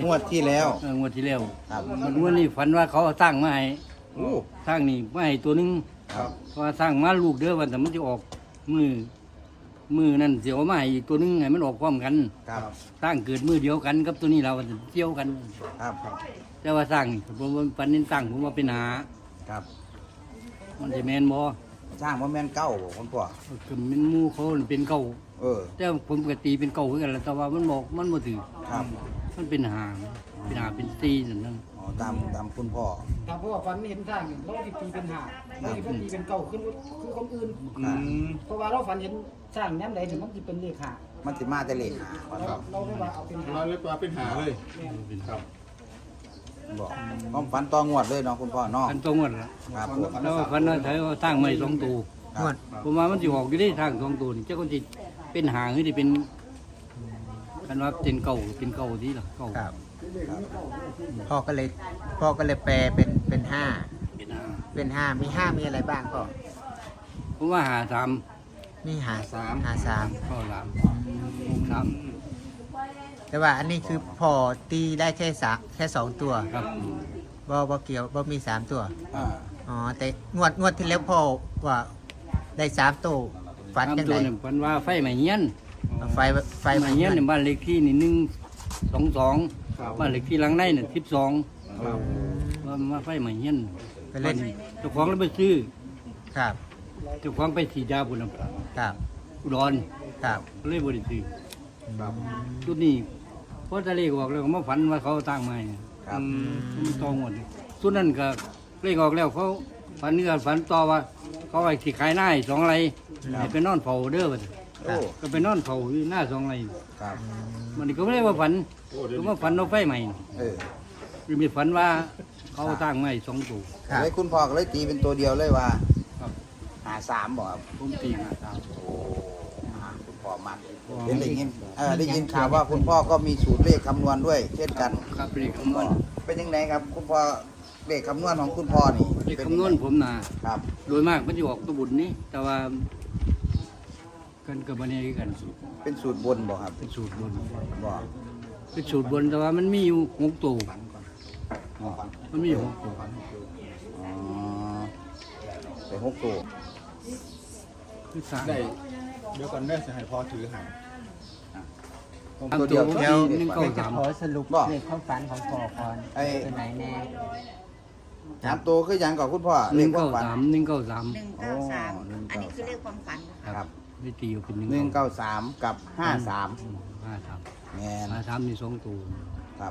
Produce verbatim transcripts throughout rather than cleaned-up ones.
งวดที่แล้วเอองวดที่แล้วครับมันงวดนี้ฝันว่าเขาเอาสร้างมาให้โอ้สร้างนี่มาให้ตัวหนึงครับเพราะว่าสร้างมาลูกเด้อวันแต่มันจะออกมือมือนั่นเสียวมาให้อีกตัวหนึงให้มันออกพร้อมกันครับสร้างเกิดมือเดียวกันกับตัวนี้เราเที่ยวกันครับแต่ว่าสร้างนี่ผมว่าปันนี้สร้างผมว่าเป็นหาครับมันจะแมนบ่สร้างว่าแม่นเก้าบ่คุณพ่อก็เป็นหมู่เขาเป็นเก่าเออแต่ผมก็ตีเป็นเก่าคือกันแหละแต่ว่ามันบอกมันบ่ถือครับมันเป็นหาเป็นหาเป็นตีนั่นนั่นอ๋อตามตามคุณพ่อตามเพราะว่าฟันเห็นทางเราที่ตีเป็นหาเราที่ตีเป็นเก่าขึ้นคือคนอื่นครับเพราะว่าเราฝันเห็นสร้างย้ำใดถึงมันจะเป็นเลขหามันสิมาแต่เลขหาเราเราไม่ว่าเอาเป็นหาเราเรียกว่าเป็นหาเลยครับบอกความฝันต่องวดเลยเนาะคุณพ่อเนาะอันตรงหมดละครับผมแล้วพันนั้นใช้ว่าสร้างใหม่สองตัวครับผมว่ามันสิออกอยู่ได้ทางสองตัวนี่เจ้าคนสิเป็นหางหรือสิเป็นกันว่าเป็นเก่าเป็นเก่าที่ล่ะเก่าครับพ่อก็เลยพ่อก็เลยแปลเป็นเป็นห้าเป็นหางเป็นห้ามีห้ามีอะไรบ้างก็ผมว่าหาสามมีหาสามหาสามเข้าสามหกสามแต่ว่าอันนี้คือพ่อตีได้แค่สามแค่สองตัวครับบ่บ่เกี่ยวบ่มีสามตัวอ่าอ๋อแต่งวดงวดที่แล้วพ่อว่าได้สามตัวฝันสามยังตัไงวเนี่ยพันว่าไฟใหม่เงี้ยนไฟไฟไฟใหม่เงี้ยนในบ้านเลขที่นี่หนึ่งสองสองบ้านเลขที่หลังในน่ะสิบสองครับว่ามาไฟใหม่เงี้ยนไปเล่นเจ้าของแล้วไปซื้อครับเจ้าของไปสีดาบุญครับอุดรครับก็เลยบริสุทธิ์ชุดนี้เพราะทะเลออกแล้วก็มาฝันว่าเขาตั้งมาให้ครับมันตองหมดชุดนั้นก็เลขออกแล้วเขาฝันนี่ก็ฝันต่อว่า เขาไอ้ที่ขายหน้าให้สองไรให้ไปนอนเผาเด้อบัดโอ้ก็ไปนอนเผาอยู่หน้าสองไรครับมันก็ไม่ได้ว่าฝันก็มาฝันเอาไฟใหม่เออคือมีฝันว่าเขาตั้งมาให้สองตัวครับเลยคุณพ่อก็เลยตีเป็นตัวเดียวเลยว่าครับหาสามบ่ครับผมตีมาตามโอ้อ่าคุณพ่อมันเห็นได้ยินเออได้ยินข่าวว่าคุณพ่อก็มีสูตรเลขคำนวณด้วย เช่นกันครับเลขคำนวณเป็นยังไงครับ คุณพ่อเลขคำนวณของคุณพ่อนี่เลขคำนวณผมน่ะครับโดยมากมันจะออกตัวบุญนี่แต่ว่ากันกับบันนี้กันเป็นสูตรบนบ่ครับเป็นสูตรบนบ่เป็นสูตรบนแต่ว่ามันมีอยู่หกตัวมันมีอยู่หกตัวอ๋อเป็นหกตัวคือสามได้เดี๋ยวก่อนได้สิให้พอถือหางผมสามตัวตัเดียว วที่ที่หนึ่งเก้าสามขอสรุปบ่ในความฝันของพ่อก่อนไอ้เป็นไหนแน่สามตัวคือหยังก่อนคุณพ่อหเลนึ่ขงควาเก้ามฝันสามหนึ่งเก้าสามหนึ่งเก้าสามโอ้หนึ่งอันเก้านี้คือเลขความฝันนะครับได้ตีออกเป็นหนึ่งหนึ่งเก้าสามกับห้าสามห้าสามแมนห้าสามมีสองตัวครับ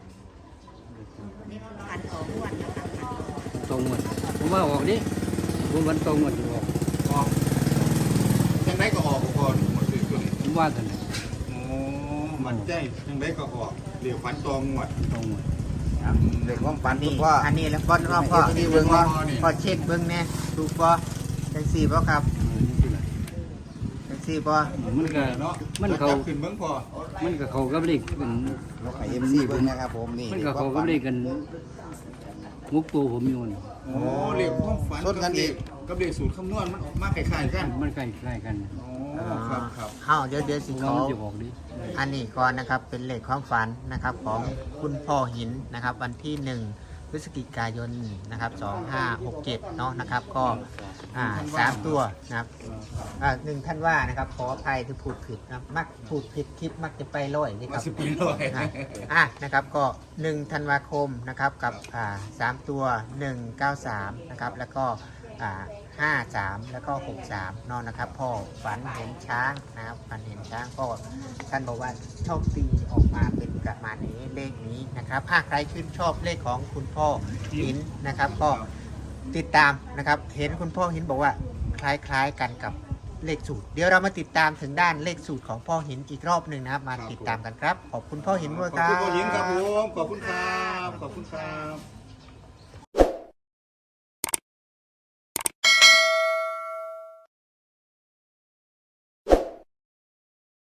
นี่คือฝันของอ้วนนะคะฝันของตรงหมดผมว่าออกดิผมวันตรงหมดอยู่ออกออกยังไงก็ออกก่อนหมดเลยตัวนี้ผมว่ากันโอ้มันใจยังไงก็ออกเดี๋ยวฝันตองหมดตรงหมดเลขความฝันคุนี่ณพ่ออันนี้แล้วพ่อพ่อพ่อที่เบิ่งว่าพอเช็คเบิ้งแน่ถูกป่ะจังสี่ป่ะครับเออนี่คืออะไรจังสี่ป่ะมันก็เนาะมันเขาขึ้นเบิ้งพอมันก็เขากับเลขกันให้เอ็มซีเบิ่งนะครับผมนี่มันก็เขากับเลขกันมุกตัวผมอยู่นี่โอ้เรียกความฝันชนกันอีกกับเรียกสูตรคำนวณมันออกมาคล้ายๆกันมันใกล้ใกล้กันโอ้ครับครับเอ้าเดี๋ยวเดี๋ยวสิผมขว่าอมันจะออกดิอันนี้ก่อนนะครับเป็นเลขความฝันนะครับของคุณพ่อหินนะครับวันที่หนึ่งพฤศจิกายนนะครับสองห้าหกเจ็ดเนาะนะครับก็อ่าสามตัวนะครับอ่าหนึ่งท่านว่านะครับขออภัยที่พูดผิดนะมักพูดผิดคลิปมักจะไปลอยนี่คมารับสิบปีเลยอ่ะอ่ะนะครับก็หนึ่งธันวาคมนะครับกับอ่าสามตัวหนึ่งเก้าสามนะครับแล้วก็อ่าห้าสามแล้วก็หกสามนอนนะครับพ่อฝันเห็นช้างนะครับฝันเห็นช้างก็ท่านบอกว่าโชคดีออกมาเป็นประมาณนี้เลขนี้นะครับถ้าใครชื่นชอบเลขของคุณพ่อหินนะครับก็ติดตามนะครับเห็นคุณพ่อหินบอกว่าคล้ายๆกันกับเลขสูตร เดี๋ยวเรามาติดตามถึงด้านเลขสูตรของพ่อหินอีกรอบหนึ่งนะครับมาติดตามกันครับขอบคุณพ่อหินด้วยขคอบรับคุณพ่อหญิงครับผมขอบคุณครับขอบคุณครับ